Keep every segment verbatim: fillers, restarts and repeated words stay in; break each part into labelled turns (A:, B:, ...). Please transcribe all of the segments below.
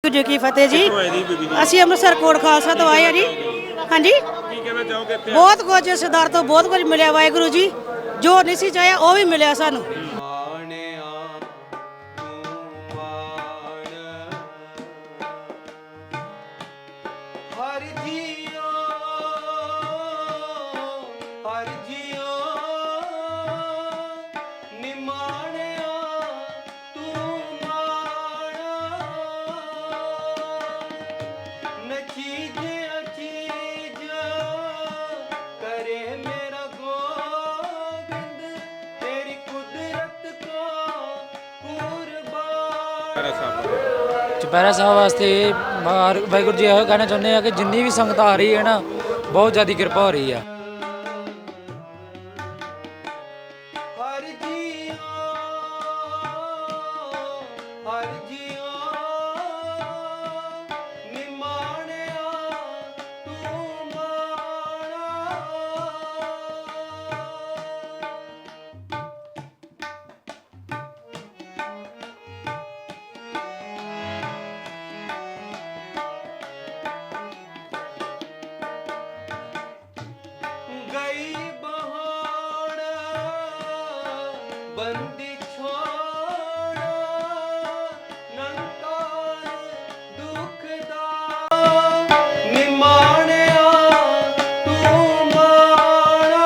A: ਜੀ ਕੀ ਫਤਿਹ ਜੀ। ਅਸੀਂ ਅੰਮ੍ਰਿਤਸਰ ਕੋਟ ਖਾਲਸਾ ਤੋਂ ਆਏ ਆ ਜੀ। ਹਾਂਜੀ,
B: ਕੀ ਕਹਿਣਾ ਚਾਹੋਗੇ ਇੱਥੇ?
A: ਬਹੁਤ ਕੁਝ ਸਰਦਾਰ ਤੋਂ ਬਹੁਤ ਕੁਝ ਮਿਲਿਆ। ਵਾਹਿਗੁਰੂ ਜੀ ਜੋ ਨਹੀਂ ਸੀ ਚਾਹਿਆ ਉਹ ਵੀ ਮਿਲਿਆ ਸਾਨੂੰ।
C: ਚੁਪਹਿਰਾ ਸਾਹਿਬ ਵਾਸਤੇ ਵਾਹਿਗੁਰੂ ਜੀ ਇਹੋ ਕਹਿਣਾ ਚਾਹੁੰਦੇ ਆ ਕਿ ਜਿੰਨੀ ਵੀ ਸੰਗਤ ਆ ਰਹੀ ਹੈ ਨਾ, ਬਹੁਤ ਜ਼ਿਆਦਾ ਕਿਰਪਾ ਹੋ ਰਹੀ ਆ।
D: ਬੰਦੀ ਛੋੜਾ ਨੰਕਾਰ ਦੁੱਖ ਦਾ ਨਿਮਾਣਿਆ ਤੂੰ ਮਾਣਾ।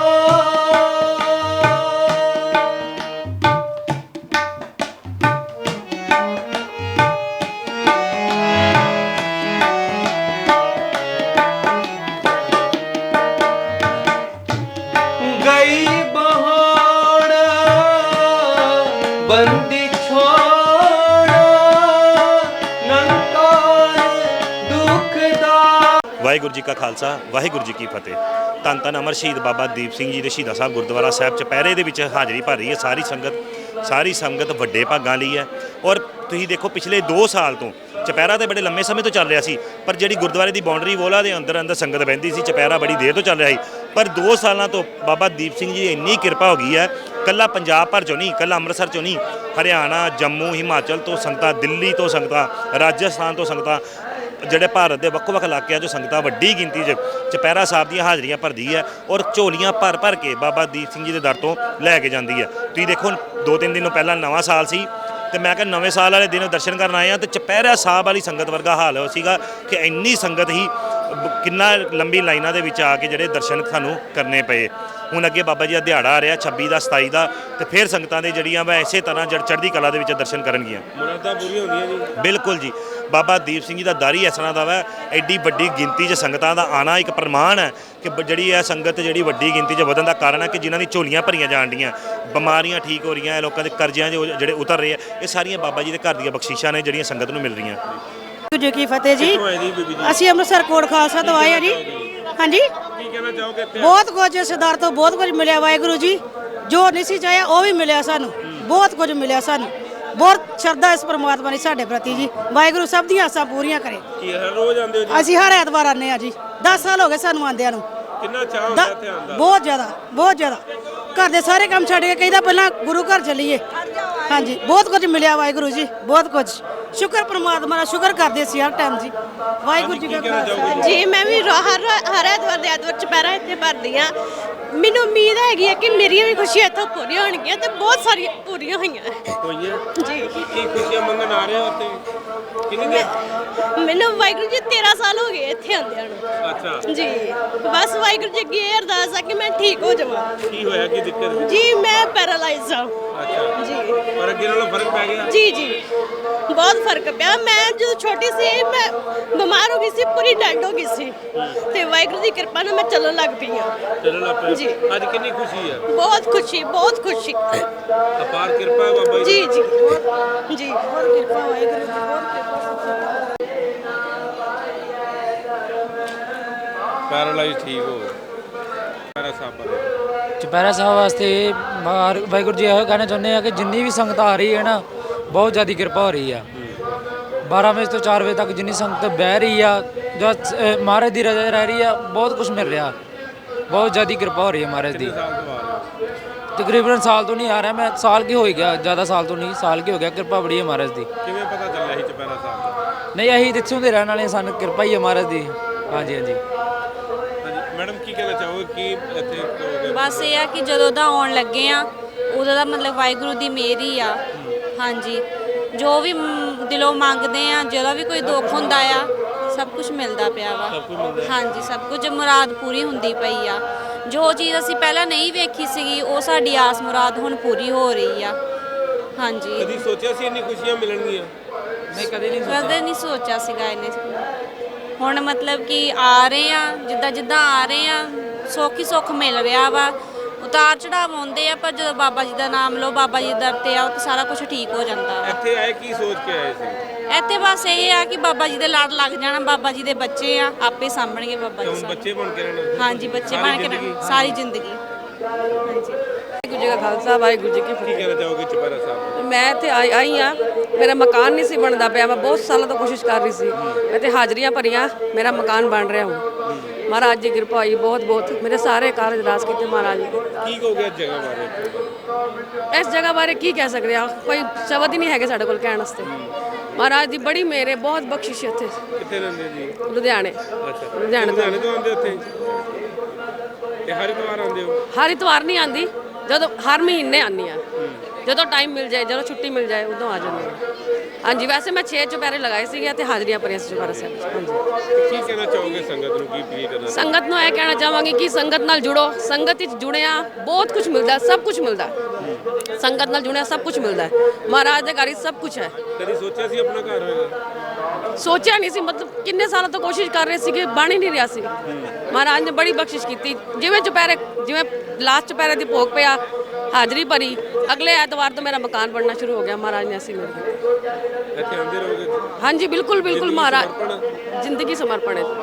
D: ਗਈ ਬੰਦੀ ਛੋੜਾ ਨੰਕਾਰ ਦੁੱਖ ਦਾ।
B: ਵਾਹਿਗੁਰੂ ਜੀ ਕਾ ਖਾਲਸਾ, ਵਾਹਿਗੁਰੂ ਜੀ ਕੀ ਫਤਿਹ। ਧੰਨ ਧੰਨ ਅਮਰ ਸ਼ਹੀਦ ਬਾਬਾ ਦੀਪ ਸਿੰਘ ਜੀ ਦੇ ਸ਼ਹੀਦਾਂ ਸਾਹਿਬ ਗੁਰਦੁਆਰਾ ਸਾਹਿਬ ਚੁਪਹਿਰੇ ਦੇ ਵਿੱਚ ਹਾਜ਼ਰੀ ਭਰ ਰਹੀ ਹੈ ਸਾਰੀ ਸੰਗਤ। ਸਾਰੀ ਸੰਗਤ ਵੱਡੇ ਭਾਗਾਂ ਲਈ ਹੈ। ਔਰ ਤੁਸੀਂ ਦੇਖੋ ਪਿਛਲੇ ਦੋ ਸਾਲ ਤੋਂ ਚੁਪਹਿਰਾ ਤਾਂ ਬੜੇ ਲੰਮੇ ਸਮੇਂ ਤੋਂ ਚੱਲ ਰਿਹਾ ਸੀ, ਪਰ ਜਿਹੜੀ ਗੁਰਦੁਆਰੇ ਦੀ ਬਾਉਂਡਰੀ ਵੋਲਾ ਦੇ ਅੰਦਰ ਅੰਦਰ ਸੰਗਤ ਬਹਿੰਦੀ ਸੀ, ਚੁਪਹਿਰਾ ਬੜੀ ਦੇਰ ਤੋਂ ਚੱਲ ਰਿਹਾ ਸੀ। ਪਰ ਦੋ ਸਾਲਾਂ ਤੋਂ ਬਾਬਾ ਦੀਪ ਸਿੰਘ ਜੀ ਇੰਨੀ ਕਿਰਪਾ ਹੋ ਗਈ ਹੈ, ਕੱਲਾ ਪੰਜਾਬ ਭਰ ਚੋਂ ਨਹੀਂ, ਕੱਲਾ ਅੰਮ੍ਰਿਤਸਰ ਚੋਂ ਨਹੀਂ, ਹਰਿਆਣਾ, ਜੰਮੂ, ਹਿਮਾਚਲ ਤੋਂ ਸੰਗਤਾਂ, ਦਿੱਲੀ ਤੋਂ ਸੰਗਤਾਂ, ਰਾਜਸਥਾਨ ਤੋਂ ਸੰਗਤਾਂ, ਜਿਹੜੇ ਭਾਰਤ ਦੇ ਵੱਖ-ਵੱਖ ਇਲਾਕਿਆਂ 'ਚੋਂ ਸੰਗਤਾਂ ਵੱਡੀ ਗਿਣਤੀ 'ਚ ਚੁਪਹਿਰਾ ਸਾਹਿਬ ਦੀਆਂ ਹਾਜ਼ਰੀਆਂ ਭਰਦੀ ਹੈ ਔਰ ਝੋਲੀਆਂ ਭਰ ਭਰ ਕੇ ਬਾਬਾ ਦੀਪ ਸਿੰਘ ਜੀ ਦੇ ਦਰ ਤੋਂ ਲੈ ਕੇ ਜਾਂਦੀ ਹੈ। ਤੁਸੀਂ ਦੇਖੋ ਦੋ ਤਿੰਨ ਦਿਨ ਪਹਿਲਾਂ ਨਵਾਂ ਸਾਲ ਸੀ ਤੇ ਮੈਂ ਕਿਹਾ ਨਵੇਂ ਸਾਲ ਵਾਲੇ ਦਿਨ ਦਰਸ਼ਨ ਕਰਨ ਆਏ ਆ ਤੇ ਚੁਪਹਿਰਾ ਸਾਹਿਬ ਵਾਲੀ ਸੰਗਤ ਵਰਗਾ ਹਾਲ ਹੋ ਸੀਗਾ ਕਿ ਇੰਨੀ ਸੰਗਤ ਹੀ, ਕਿੰਨਾ ਲੰਬੀ ਲਾਈਨਾਂ ਦੇ ਵਿੱਚ ਆ ਕੇ ਜਿਹੜੇ ਦਰਸ਼ਨ ਸਾਨੂੰ ਕਰਨੇ ਪਏ। ਹੁਣ ਅੱਗੇ ਬਾਬਾ ਜੀ ਦਾ ਦਿਹਾੜਾ ਆ ਰਿਹਾ ਛੱਬੀ ਦਾ, ਸਤਾਈ ਦਾ, ਤੇ ਫਿਰ ਸੰਗਤਾਂ ਦੇ ਜਿਹੜੀਆਂ ਵਾ ਇਸੇ ਤਰ੍ਹਾਂ ਜੜ ਚੜ੍ਹਦੀ ਕਲਾ ਦੇ ਵਿੱਚ ਦਰਸ਼ਨ ਕਰਨਗੀਆਂ।
D: ਮੁਰਾਦਾਂ ਪੂਰੀਆਂ ਹੁੰਦੀਆਂ ਜੀ।
B: ਬਿਲਕੁਲ ਜੀ, ਬਾਬਾ ਦੀਪ ਸਿੰਘ ਜੀ ਦਾ ਦਰ ਹੀ ਇਸ ਤਰ੍ਹਾਂ ਦਾ ਵਾ। ਐਡੀ ਵੱਡੀ ਗਿਣਤੀ 'ਚ ਸੰਗਤਾਂ ਦਾ ਆਉਣਾ ਇੱਕ ਪ੍ਰਮਾਣ ਹੈ ਕਿ ਜਿਹੜੀ ਇਹ ਸੰਗਤ ਜਿਹੜੀ ਵੱਡੀ ਗਿਣਤੀ 'ਚ ਵਧਣ ਦਾ ਕਾਰਨ ਹੈ ਕਿ ਜਿਨ੍ਹਾਂ ਦੀ ਝੋਲੀਆਂ ਭਰੀਆਂ ਜਾਣ ਡੀਆਂ, ਬਿਮਾਰੀਆਂ ਠੀਕ ਹੋ ਰਹੀਆਂ, ਲੋਕਾਂ ਦੇ ਕਰਜ਼ਿਆਂ ਜਿਹੜੇ ਉਤਰ ਰਹੇ ਆ, ਇਹ ਸਾਰੀਆਂ ਬਾਬਾ ਜੀ ਦੇ ਘਰ ਦੀਆਂ ਬਖਸ਼ਿਸ਼ਾਂ ਨੇ ਜਿਹੜੀਆਂ ਸੰਗਤ ਨੂੰ ਮਿਲ ਰਹੀਆਂ।
A: ਜੀ ਕੀ ਫਤਿਹ ਜੀ। ਅਸੀਂ ਅੰਮ੍ਰਿਤਸਰ ਕੋਟ ਖਾਲਸਾ ਤੋਂ ਆਏ ਆ ਜੀ। ਹਾਂਜੀ,
B: ਕੀ ਕਹਿਣਾ ਚਾਹੋਗੇ ਇੱਥੇ?
A: ਬਹੁਤ ਕੁਝ ਸਰਦਾਰ ਤੋਂ ਬਹੁਤ ਕੁਝ ਮਿਲਿਆ। ਵਾਹਿਗੁਰੂ ਜੀ ਜੋ ਨਹੀਂ ਸੀ ਚਾਹਿਆ ਉਹ ਵੀ ਮਿਲਿਆ ਸਾਨੂੰ। ਬਹੁਤ ਕੁਝ ਮਿਲਿਆ ਸਾਨੂੰ। ਬਹੁਤ ਸ਼ਰਧਾ ਇਸ ਪਰਮਾਤਮਾ ਨੇ ਸਾਡੇ ਪ੍ਰਤੀ ਜੀ। ਵਾਹਿਗੁਰੂ ਸਭ ਦੀਆਂ ਆਸਾਂ ਪੂਰੀਆਂ ਕਰੇ।
B: ਕੀ ਹਰ ਰੋਜ਼ ਆਉਂਦੇ ਹੋ ਜੀ?
A: ਅਸੀਂ ਹਰ ਐਤਵਾਰ ਆਉਂਦੇ ਆ ਜੀ। ਦਸ ਸਾਲ ਹੋ ਗਏ ਸਾਨੂੰ ਆਉਂਦਿਆਂ ਨੂੰ।
B: ਕਿੰਨਾ ਚਾਹ ਹੁੰਦਾ ਇੱਥੇ ਆਉਣ ਦਾ?
A: ਬਹੁਤ ਜ਼ਿਆਦਾ, ਬਹੁਤ ਜ਼ਿਆਦਾ। ਘਰ ਦੇ ਸਾਰੇ ਕੰਮ ਛੱਡ ਕੇ ਕਹਿੰਦਾ ਪਹਿਲਾਂ ਗੁਰੂ ਘਰ ਚੱਲੀਏ। ਹਾਂਜੀ, ਬਹੁਤ ਕੁਝ ਮਿਲਿਆ ਵਾਹਿਗੁਰੂ ਜੀ, ਬਹੁਤ ਕੁਝ। ਸ਼ੁਕਰ ਪਰਮਾਤਮਾ ਦਾ ਸ਼ੁਕਰ ਕਰਦੇ ਸੀ ਹਰ ਟਾਈਮ ਜੀ। ਵਾਹਿਗੁਰੂ ਜੀ ਦਾ ਖਾਲਸਾ।
E: ਜੀ ਮੈਂ ਵੀ ਹਰ ਹਰ ਐਤਵਾਰ ਦੇ ਐਤਵਾਰ ਚੁਪਹਿਰਾ ਇੱਥੇ ਭਰਦੀ ਹਾਂ। ਮੈਨੂੰ ਉਮੀਦ ਹੈਗੀ ਹੈ ਕਿ ਮੇਰੀਆਂ ਵੀ ਖੁਸ਼ੀਆਂ ਇੱਥੋਂ ਪੂਰੀਆਂ ਹੋਣਗੀਆਂ ਤੇ ਬਹੁਤ ਸਾਰੀਆਂ ਪੂਰੀਆਂ ਹੋਈਆਂ
B: ਹੋਈਆਂ
E: ਜੀ।
B: ਕੀ ਖੁਸ਼ੀਆਂ ਮੰਗਣ ਆ ਰਹੇ ਹੋ ਉੱਥੇ? ਕਿੰਨੀ ਦੇਰ?
E: ਮੈਨੂੰ ਵਾਹਿਗੁਰੂ ਜੀ ਤੇਰਾਂ ਸਾਲ ਹੋ ਗਏ ਇੱਥੇ ਆਉਂਦਿਆਂ ਨੂੰ।
B: ਅੱਛਾ
E: ਜੀ, ਬਸ ਵਾਹਿਗੁਰੂ ਜੀ ਅੱਗੇ ਇਹ ਅਰਦਾਸ ਆ ਕਿ ਮੈਂ ਠੀਕ ਹੋ ਜਾਵਾਂ।
B: ਕੀ ਹੋਇਆ, ਕੀ ਦਿੱਕਤ?
E: ਜੀ ਮੈਂ ਪੈਰਾਲਾਈਜ਼ ਹਾਂ।
B: ਅੱਛਾ
E: ਜੀ,
B: ਪਰ ਅੱਗੇ ਨਾਲੋਂ ਫਰਕ ਪੈ ਗਿਆ?
E: ਜੀ ਜੀ ਬਹੁਤ ਫਰਕ ਪਿਆ। ਮੈਂ ਜਦੋਂ ਛੋਟੀ ਸੀ ਮੈਂ ਬਿਮਾਰ ਹੋ ਗਈ ਸੀ, ਪੂਰੀ ਡੈਡ ਹੋ ਗਈ ਸੀ ਤੇ ਵਾਹਿਗੁਰੂ ਦੀ ਕਿਰਪਾ ਨਾਲ ਮੈਂ ਚੱਲਣ ਲੱਗ ਪਈ ਹਾਂ।
B: ਚੱਲਣ ਲੱਗ ਪਏ?
E: ਜੀ।
B: ਅੱਜ ਕਿੰਨੀ ਖੁਸ਼ੀ ਹੈ?
E: ਬਹੁਤ ਖੁਸ਼ੀ, ਬਹੁਤ ਖੁਸ਼ੀ।
B: ਅਪਾਰ ਕਿਰਪਾ ਹੈ ਬਾਬਾ ਜੀ
E: ਜੀ ਜੀ ਜੀ
A: ਬਹੁਤ ਕਿਰਪਾ ਵਾਹਿਗੁਰੂ ਦੀ, ਬਹੁਤ ਕਿਰਪਾ।
B: ਪੈਰਾਲਾਈਜ਼ ਠੀਕ ਹੋ ਗਏ। ਪੈਰਾ ਸਾਹਿਬ
C: ਚੁਪਹਿਰਾ ਸਾਹਿਬ ਵਾਸਤੇ ਵਾਹਿਗੁਰੂ ਜੀ ਇਹੋ ਕਹਿਣਾ ਚਾਹੁੰਦੇ ਆ ਕਿ ਜਿੰਨੀ ਵੀ ਸੰਗਤ ਆ ਰਹੀ ਹੈ ਨਾ, ਬਹੁਤ ਜ਼ਿਆਦਾ ਕਿਰਪਾ ਹੋ ਰਹੀ ਆ। ਬਾਰਾਂ ਵਜੇ ਤੋਂ ਚਾਰ ਵਜੇ ਤੱਕ ਜਿੰਨੀ ਸੰਗਤ ਬਹਿ ਰਹੀ ਆ, ਜਦ ਮਹਾਰਾਜ ਦੀ ਰਜ਼ਾ ਰਹਿ ਰਹੀ ਆ, ਬਹੁਤ ਕੁਝ ਮਿਲ ਰਿਹਾ। ਬਹੁਤ ਜ਼ਿਆਦਾ ਕਿਰਪਾ ਹੋ ਰਹੀ ਹੈ ਮਹਾਰਾਜ ਦੀ। ਤਕਰੀਬਨ ਸਾਲ ਤੋਂ ਨਹੀਂ ਆ ਰਿਹਾ ਮੈਂ, ਸਾਲ ਕੀ ਹੋ ਗਿਆ, ਜ਼ਿਆਦਾ ਸਾਲ ਤੋਂ ਨਹੀਂ, ਸਾਲ ਕੀ ਹੋ ਗਿਆ। ਕਿਰਪਾ ਬੜੀ ਹੈ ਮਹਾਰਾਜ ਦੀ।
B: ਕਿਵੇਂ ਪਤਾ ਚੱਲਿਆ ਸੀ ਚੁਪਹਿਰਾ ਸਾਹਿਬ ਦਾ?
C: ਨਹੀਂ ਅਸੀਂ ਇੱਥੋਂ ਦੇ ਰਹਿਣ ਵਾਲੇ ਹਾਂ, ਸਾਨੂੰ ਕਿਰਪਾ ਹੀ ਹੈ ਮਹਾਰਾਜ ਦੀ। ਹਾਂਜੀ ਹਾਂਜੀ
D: ਹਾਂਜੀ ਮੈਡਮ ਕੀ ਕਹਿਣਾ ਚਾਹੋਗੇ ਕੀ ਇੱਥੇ ਕਹੋਗੇ?
F: ਬਸ ਇਹ ਆ ਕਿ ਜਦੋਂ ਦਾ ਆਉਣ ਲੱਗੇ ਆ ਉਦੋਂ ਦਾ ਮਤਲਬ ਵਾਹਿਗੁਰੂ ਦੀ ਮਿਹਰ ਹੀ ਆ। ਹਾਂਜੀ ਜੋ ਵੀ ਮ- ਦਿਲੋਂ ਮੰਗਦੇ ਆ, ਜਦੋਂ ਵੀ ਕੋਈ ਦੁੱਖ ਹੁੰਦਾ ਆ ਸਭ ਕੁਝ ਮਿਲਦਾ ਪਿਆ ਵਾ। ਹਾਂਜੀ ਸਭ ਕੁਝ ਮੁਰਾਦ ਪੂਰੀ ਹੁੰਦੀ ਪਈ ਆ। ਜੋ ਚੀਜ਼ ਅਸੀਂ ਪਹਿਲਾਂ ਨਹੀਂ ਵੇਖੀ ਸੀਗੀ ਉਹ ਸਾਡੀ ਆਸ ਮੁਰਾਦ ਹੁਣ ਪੂਰੀ ਹੋ ਰਹੀ ਆ। ਹਾਂਜੀ
D: ਕਦੀ ਸੋਚਿਆ ਸੀ ਇੰਨੀ ਖੁਸ਼ੀਆਂ ਮਿਲਣਗੀਆਂ?
C: ਨਹੀਂ ਕਦੇ ਨਹੀਂ
F: ਕਦੇ ਨਹੀਂ ਸੋਚਿਆ ਸੀਗਾ ਇਹਨੇ। ਹੁਣ ਮਤਲਬ ਕਿ ਆ ਰਹੇ ਆ, ਜਿੱਦਾਂ ਜਿੱਦਾਂ ਆ ਰਹੇ ਆ ਸੁੱਖ ਹੀ ਸੁੱਖ ਮਿਲ ਰਿਹਾ ਵਾ। ਉਤਾਰ ਚੜਾਵ ਆਉਂਦੇ ਆ ਪਰ ਜਦੋਂ ਬਾਬਾ ਜੀ ਦਾ ਨਾਮ ਲਓ, ਬਾਬਾ ਜੀ ਦੇ ਦਰ ਤੇ ਆਓ ਤਾਂ ਸਾਰਾ ਕੁਝ ਠੀਕ ਹੋ ਜਾਂਦਾ ਵਾ।
D: ਇੱਥੇ ਆਏ ਕੀ ਸੋਚ ਕੇ ਆਏ ਸੀ?
F: ਇੱਥੇ ਬਸ ਇਹ ਆ ਕਿ ਬਾਬਾ ਜੀ ਦੇ ਲੜ ਲੱਗ ਜਾਣਾ, ਬਾਬਾ ਜੀ ਦੇ ਬੱਚੇ ਆ ਆਪੇ ਸਾਂਭਣਗੇ ਬਾਬਾ ਜੀ
D: ਹੁਣ
F: ਸਾਨੂੰ।
D: ਬੱਚੇ ਬਣ ਕੇ ਰਹਿਣਾ?
F: ਹਾਂਜੀ ਬੱਚੇ
D: ਸਾਰੀ
F: ਬਣ ਕੇ
D: ਜ਼ਿੰਦਗੀ?
F: ਰਹਿਣਾ ਸਾਰੀ ਜ਼ਿੰਦਗੀ। ਹਾਂਜੀ
G: ਵਾਹਿਗੁਰੂ ਜੀ ਕਾ ਖਾਲਸਾ ਵਾਹਿਗੁਰੂ ਜੀ ਕੀ
D: ਕੀ
G: ਫਤਿਹ।
D: ਕਹਿਣਾ ਚਾਹੋਗੇ ਚੁਪਹਿਰਾ ਸਾਹਿਬ?
G: ਮੈਂ ਇੱਥੇ ਆਈ ਆਈ ਆ, ਮੇਰਾ ਮਕਾਨ ਨਹੀਂ ਸੀ ਬਣਦਾ ਪਿਆ। ਮੈਂ ਬਹੁਤ ਸਾਲਾਂ ਤੋਂ ਕੋਸ਼ਿਸ਼ ਕਰ ਰਹੀ ਸੀ। ਮੈਂ ਤੇ ਹਾਜ਼ਰੀਆਂ ਭਰੀਆਂ, ਮੇਰਾ ਮਕਾਨ ਬਣ ਰਿਹਾ ਹੁਣ। ਮਹਾਰਾਜ ਦੀ ਕਿਰਪਾ ਹੋਈ ਬਹੁਤ ਬਹੁਤ। ਮੇਰੇ ਸਾਰੇ ਕਾਰਜ ਰਾਸ ਕੀਤੇ ਮਹਾਰਾਜ ਨੇ।
D: ਕੀ ਕਹੋਗੇ ਇਸ ਜਗ੍ਹਾ ਬਾਰੇ?
G: ਇਸ ਜਗ੍ਹਾ ਬਾਰੇ ਕੀ ਕਹਿ ਸਕਦੇ ਆ, ਕੋਈ ਸ਼ਬਦ ਹੀ ਨਹੀਂ ਹੈਗੇ ਸਾਡੇ ਕੋਲ ਕਹਿਣ ਵਾਸਤੇ। ਮਹਾਰਾਜ ਦੀ ਬੜੀ ਮਿਹਰ ਹੈ, ਬਹੁਤ ਬਖਸ਼ਿਸ਼ ਹੈ ਇੱਥੇ।
D: ਕਿੱਥੇ ਰਹਿੰਦੇ ਜੀ?
G: ਲੁਧਿਆਣੇ
D: ਅੱਛਾ
G: ਲੁਧਿਆਣੇ ਤੋਂ।
D: ਲੁਧਿਆਣੇ ਤੋਂ ਆਉਂਦੇ ਉੱਥੇ ਤੇ ਹਰ ਇਤਵਾਰ ਆਉਂਦੇ ਹੋ?
G: ਹਰ ਇਤਵਾਰ ਨਹੀਂ ਆਂਦੀ, ਜਦੋਂ ਹਰ ਮਹੀਨੇ ਆਉਂਦੀ ਆ। ਜਦੋਂ ਟਾਈਮ ਮਿਲ ਜਾਏ, ਜਦੋਂ ਛੁੱਟੀ ਮਿਲ ਜਾਏ ਉਦੋਂ ਆ ਜਾਂਦੀ ਹਾਂ। ਹਾਂਜੀ ਵੈਸੇ ਮੈਂ ਛੇ ਚੁਪਹਿਰੇ ਲਗਾਏ ਸੀਗੇ ਤੇ ਹਾਜ਼ਰੀਆਂ ਭਰੀਆਂ ਸੀ ਚੁਪਹਿਰਾ ਸਾਹਿਬ 'ਚ। ਹਾਂਜੀ
D: ਕੀ ਕਹਿਣਾ ਚਾਹੋਗੇ ਸੰਗਤ ਨੂੰ, ਕੀ ਅਪੀਲ ਕਰਨਾ?
G: ਸੰਗਤ ਨੂੰ ਇਹ ਕਹਿਣਾ ਚਾਹਾਂਗੀ ਕਿ ਸੰਗਤ ਨਾਲ ਜੁੜੋ। ਸੰਗਤ ਵਿੱਚ ਜੁੜਿਆ ਬਹੁਤ ਕੁਝ ਮਿਲਦਾ, ਸਭ ਕੁਝ ਮਿਲਦਾ। ਸੰਗਤ ਨਾਲ ਜੁੜਿਆ ਸਭ ਕੁਝ ਮਿਲਦਾ ਹੈ। ਮਹਾਰਾਜ ਦੇ ਘਰ ਵਿੱਚ ਸਭ ਕੁਝ ਹੈ।
D: ਕਦੀ ਸੋਚਿਆ ਸੀ ਆਪਣਾ ਘਰ ਹੋਏਗਾ?
G: ਸੋਚਿਆ ਨਹੀਂ ਸੀ, ਮਤਲਬ ਕਿੰਨੇ ਸਾਲਾਂ ਤੋਂ ਕੋਸ਼ਿਸ਼ ਕਰ ਰਹੇ ਸੀਗੇ, ਬਣ ਹੀ ਨਹੀਂ ਰਿਹਾ ਸੀ। ਮਹਾਰਾਜ ਨੇ ਬੜੀ ਬਖਸ਼ਿਸ਼ ਕੀਤੀ। ਜਿਵੇਂ ਚੁਪਹਿਰੇ, ਜਿਵੇਂ ਲਾਸਟ ਚੁਪਹਿਰੇ ਦੀ ਭੋਗ ਪਿਆ, ਹਾਜ਼ਰੀ ਭਰੀ, ਅਗਲੇ ਐਤਵਾਰ ਤੋਂ ਮੇਰਾ ਮਕਾਨ ਬਣਨਾ ਸ਼ੁਰੂ ਹੋ ਗਿਆ। ਮਹਾਰਾਜ ਨੇ ਅਸੀਂ ਮਿਲ ਗਏ।
D: ਇੱਥੇ ਆਉਂਦੇ ਰਹੋਗੇ?
G: ਹਾਂਜੀ ਬਿਲਕੁਲ ਬਿਲਕੁਲ
D: ਜ਼ਿੰਦਗੀ
G: ਮਹਾਰਾਜ
D: ਸਮਰਪਣ?
G: ਜ਼ਿੰਦਗੀ ਸਮਰਪਣ ਹੈ।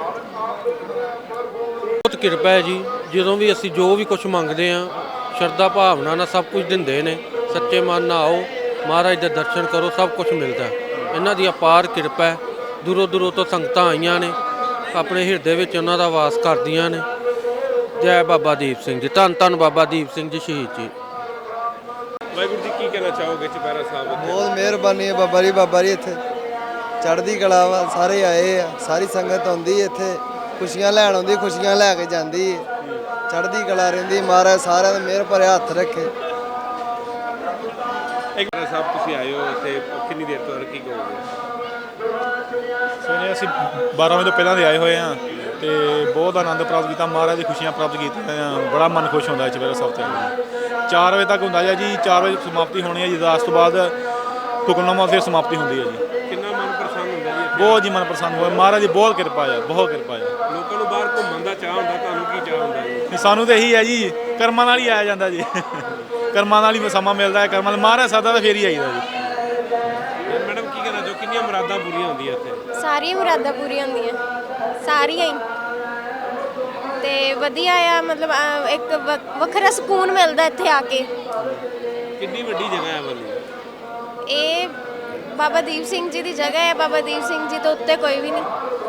H: ਬਹੁਤ ਕਿਰਪਾ ਹੈ ਜੀ। ਜਦੋਂ ਵੀ ਅਸੀਂ ਜੋ ਵੀ ਕੁਝ ਮੰਗਦੇ ਆ ਸ਼ਰਧਾ ਭਾਵਨਾ ਨਾਲ ਸਭ ਕੁਝ ਦਿੰਦੇ ਨੇ। ਸੱਚੇ ਮਨ ਨਾਲ ਆਓ, ਮਹਾਰਾਜ ਦੇ ਦਰਸ਼ਨ ਕਰੋ, ਸਭ ਕੁਝ ਮਿਲਦਾ ਹੈ। ਇਹਨਾਂ ਦੀ ਅਪਾਰ ਕਿਰਪਾ ਹੈ। ਦੂਰੋਂ ਦੂਰੋਂ ਤੋਂ ਸੰਗਤਾਂ ਆਈਆਂ ਨੇ, ਆਪਣੇ ਹਿਰਦੇ ਵਿੱਚ ਉਹਨਾਂ ਦਾ ਵਾਸ ਕਰਦੀਆਂ ਨੇ। ਜੈ ਬਾਬਾ ਦੀਪ ਸਿੰਘ ਜੀ। ਧੰਨ ਧੰਨ ਬਾਬਾ ਦੀਪ ਸਿੰਘ ਜੀ ਸ਼ਹੀਦ ਜੀ।
D: ਵਾਹਿਗੁਰੂ ਜੀ ਕੀ ਕਹਿਣਾ ਚਾਹੋਗੇ ਚੁਪਹਿਰਾ ਸਾਹਿਬ ਉੱਤੇ?
I: ਬਹੁਤ ਮਿਹਰਬਾਨੀ ਹੈ ਬਾਬਾ ਜੀ। ਬਾਬਾ ਜੀ ਇੱਥੇ ਚੜ੍ਹਦੀ ਕਲਾ ਵਾ, ਸਾਰੇ ਆਏ ਆ, ਸਾਰੀ ਸੰਗਤ ਆਉਂਦੀ ਹੈ ਇੱਥੇ, ਖੁਸ਼ੀਆਂ ਲੈਣ ਆਉਂਦੀ, ਖੁਸ਼ੀਆਂ ਲੈ ਕੇ ਜਾਂਦੀ ਹੈ। ਚੜ੍ਹਦੀ ਕਲਾ ਰਹਿੰਦੀ। ਮਹਾਰਾਜ ਸਾਰਿਆਂ ਦਾ ਮਿਹਰ ਭਰਿਆ ਹੱਥ ਰੱਖੇ।
D: ਇੱਕ ਸਾਹਿਬ ਤੁਸੀਂ ਆਏ ਹੋ ਇੱਥੇ ਕਿੰਨੀ ਦੇਰ ਤੋਂ, ਕੀ ਕਹੋਗੇ?
J: ਸਵੇਰੇ ਅਸੀਂ ਬਾਰਾਂ ਵਜੇ ਤੋਂ ਪਹਿਲਾਂ ਦੇ ਆਏ ਹੋਏ ਹਾਂ ਤੇ ਬਹੁਤ ਆਨੰਦ ਪ੍ਰਾਪਤ ਕੀਤਾ। ਮਹਾਰਾਜ ਦੀ ਖੁਸ਼ੀਆਂ ਪ੍ਰਾਪਤ ਕੀਤੀਆਂ ਆ। ਬੜਾ ਮਨ ਖੁਸ਼ ਹੁੰਦਾ ਹੈ ਚੁਪਹਿਰਾ ਸਾਹਿਬ ਤੇ। ਚਾਰ ਵਜੇ ਤੱਕ ਹੁੰਦਾ ਜੀ। ਚਾਰ ਵਜੇ ਸਮਾਪਤੀ ਹੋਣੀ ਹੈ ਜੀ। ਅਰਦਾਸ ਤੋਂ ਬਾਅਦ ਹੁਕਮਨਾਮਾ ਫਿਰ ਸਮਾਪਤੀ ਹੁੰਦੀ ਹੈ ਜੀ।
D: ਕਿੰਨਾ ਮਨ ਪ੍ਰਸੰਨ ਹੁੰਦਾ ਜੀ ਇੱਥੇ?
J: ਬਹੁਤ ਜੀ ਮਨ ਪ੍ਰਸੰਨ ਹੋਇਆ। ਮਹਾਰਾਜ ਦੀ ਬਹੁਤ ਕਿਰਪਾ ਹੈ, ਬਹੁਤ ਕਿਰਪਾ ਹੈ।
D: ਲੋਕਾਂ ਨੂੰ ਬਾਹਰ ਘੁੰਮਣ ਦਾ ਚਾਹ ਹੁੰਦਾ, ਤੁਹਾਨੂੰ ਕੀ ਚਾਹ ਹੁੰਦਾ ਜੀ?
J: ਤੇ ਸਾਨੂੰ ਤਾਂ ਇਹੀ ਹੈ ਜੀ, ਕਰਮਾਂ ਨਾਲ ਹੀ ਆਇਆ ਜਾਂਦਾ ਜੀ। ਕਰਮਾਂ ਨਾਲ ਹੀ ਸਮਾਂ ਮਿਲਦਾ ਹੈ। ਕਰਮਾਂ ਨਾਲ ਮਹਾਰਾਜ ਸਾਦਾ ਤਾਂ ਫੇਰ ਹੀ ਆਈਦਾ ਜੀ।
D: ਮੈਡਮ ਕੀ ਕਹਿਣਾ ਚਾਹੋ, ਕਿੰਨੀਆਂ ਮੁਰਾਦਾਂ ਪੂਰੀਆਂ ਹੁੰਦੀਆਂ ਇੱਥੇ?
K: ਸਾਰੀਆਂ ਮੁਰਾਦਾਂ ਪੂਰੀਆਂ ਹੁੰਦੀਆਂ, ਸਾਰੀਆਂ ਹੀ। ਤੇ ਵਧੀਆ ਆ, ਮਤਲਬ ਅਹ, ਇੱਕ ਵ- ਵੱਖਰਾ ਸਕੂਨ ਮਿਲਦਾ ਇੱਥੇ ਆ ਕੇ।
D: ਕਿੰਨੀ ਵੱਡੀ ਜਗ੍ਹਾ ਹੈ ਵਾਲੀ?
K: ਇਹ ਬਾਬਾ ਦੀਪ ਸਿੰਘ ਜੀ ਦੀ ਜਗ੍ਹਾ ਹੈ। ਬਾਬਾ ਦੀਪ ਸਿੰਘ ਜੀ ਤੋਂ ਉੱਤੇ ਕੋਈ ਵੀ ਨਹੀਂ।